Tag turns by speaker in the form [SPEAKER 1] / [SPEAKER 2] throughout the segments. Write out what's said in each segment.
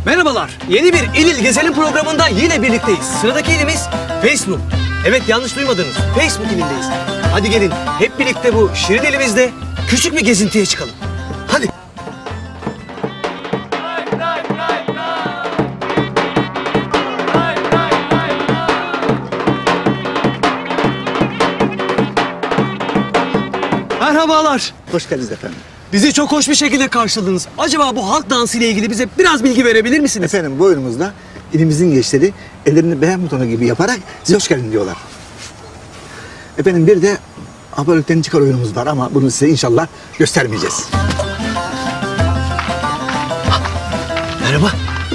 [SPEAKER 1] Merhabalar. Yeni bir İl İl Gezelim programında yine birlikteyiz. Sıradaki ilimiz Facebook. Evet, yanlış duymadınız. Facebook ilindeyiz. Hadi gelin hep birlikte bu şirin ilimizde küçük bir gezintiye çıkalım. Hadi. Merhabalar.
[SPEAKER 2] Hoş geldiniz efendim.
[SPEAKER 1] Bizi çok hoş bir şekilde karşıladınız. Acaba bu halk dansı ile ilgili bize biraz bilgi verebilir misiniz?
[SPEAKER 2] Efendim bu oyunumuzda ilimizin gençleri ellerini beğen butonu gibi yaparak size hoş geldin diyorlar. Efendim bir de abonelikten çıkar oyunumuz var ama bunu size inşallah göstermeyeceğiz.
[SPEAKER 1] Merhaba.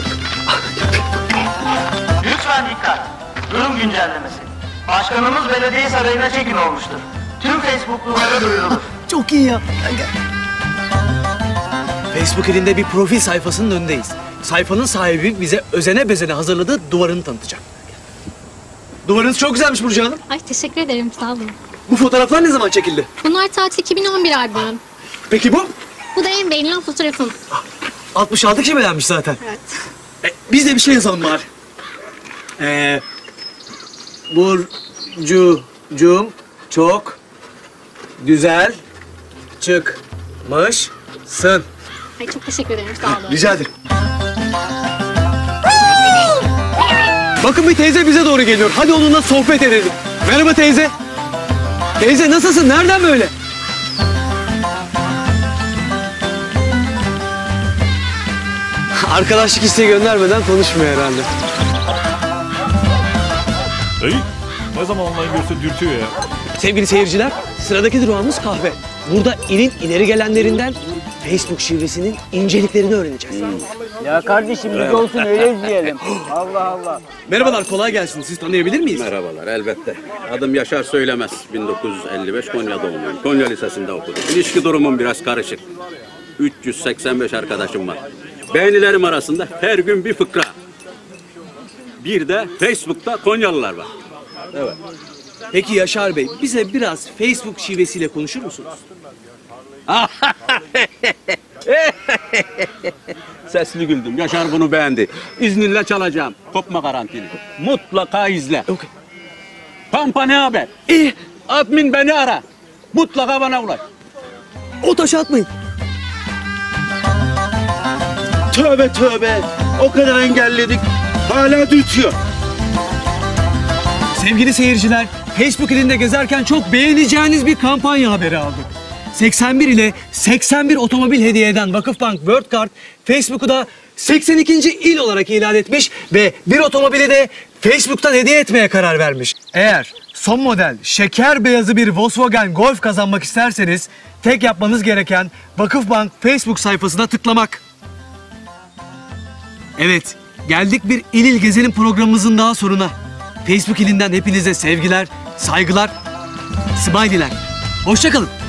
[SPEAKER 3] Lütfen dikkat. Durum güncellemesi. Başkanımız belediye sarayına çekin olmuştur. Tüm Facebook'lulara duyurulur.
[SPEAKER 1] Çok iyi ya. Facebook ilinde bir profil sayfasının önündeyiz. Sayfanın sahibi bize özene bezene hazırladığı duvarını tanıtacak. Duvarınız çok güzelmiş Burcu Hanım.
[SPEAKER 4] Ay teşekkür ederim, sağ olun.
[SPEAKER 1] Bu fotoğraflar ne zaman çekildi?
[SPEAKER 4] Bunlar tatil 2011 albümüm.
[SPEAKER 1] Peki bu?
[SPEAKER 4] Bu da en beğenilen fotoğrafım.
[SPEAKER 1] 66 kişi beğenmiş zaten.
[SPEAKER 4] Evet.
[SPEAKER 1] Biz de bir şey yazalım bari. Burcu'cum çok güzel çıkmışsın.
[SPEAKER 4] Ay çok teşekkür ederim, sağ olun.
[SPEAKER 1] Rica ederim. Bakın bir teyze bize doğru geliyor. Hadi onunla sohbet edelim. Merhaba teyze. Teyze nasılsın? Nereden böyle? Arkadaşlık isteği göndermeden konuşmuyor herhalde.
[SPEAKER 5] Hey, ne zaman online görse dürtüyor ya.
[SPEAKER 1] Sevgili seyirciler, sıradaki durağımız kahve. Burada ilin ileri gelenlerinden Facebook şivesinin inceliklerini öğreneceğiz.
[SPEAKER 6] Ya kardeşim biz olsun öyle izleyelim. Allah Allah.
[SPEAKER 1] Merhabalar, kolay gelsin. Siz tanıyabilir miyiz?
[SPEAKER 7] Merhabalar, elbette. Adım Yaşar Söylemez. 1955 Konya doğumluyum. Konya Lisesi'nde okudum. İlişki durumum biraz karışık. 385 arkadaşım var. Beğenilerim arasında her gün bir fıkra. Bir de Facebook'ta Konyalılar var. Evet.
[SPEAKER 1] Peki Yaşar Bey, bize biraz Facebook şivesiyle konuşur musunuz?
[SPEAKER 7] Sesli güldüm. Yaşar bunu beğendi. İzninle çalacağım. Kopma garantili. Mutlaka izle.
[SPEAKER 1] Okay.
[SPEAKER 7] Pampa ne haber? İyi. Admin beni ara. Mutlaka bana ulaş.
[SPEAKER 1] O taşı atmayın.
[SPEAKER 8] Tövbe tövbe. O kadar engelledik. Hala dürtüyor.
[SPEAKER 1] Sevgili seyirciler, Facebook ilinde gezerken çok beğeneceğiniz bir kampanya haberi aldık. 81 ile 81 otomobil hediye eden Vakıfbank World Card, Facebook'u da 82. il olarak ilan etmiş ve bir otomobili de Facebook'tan hediye etmeye karar vermiş. Eğer son model şeker beyazı bir Volkswagen Golf kazanmak isterseniz tek yapmanız gereken Vakıfbank Facebook sayfasına tıklamak. Evet, geldik bir İl İl Gezelim programımızın daha sonuna. Facebook ilinden hepinize sevgiler, saygılar, smiley'ler. Hoşça kalın.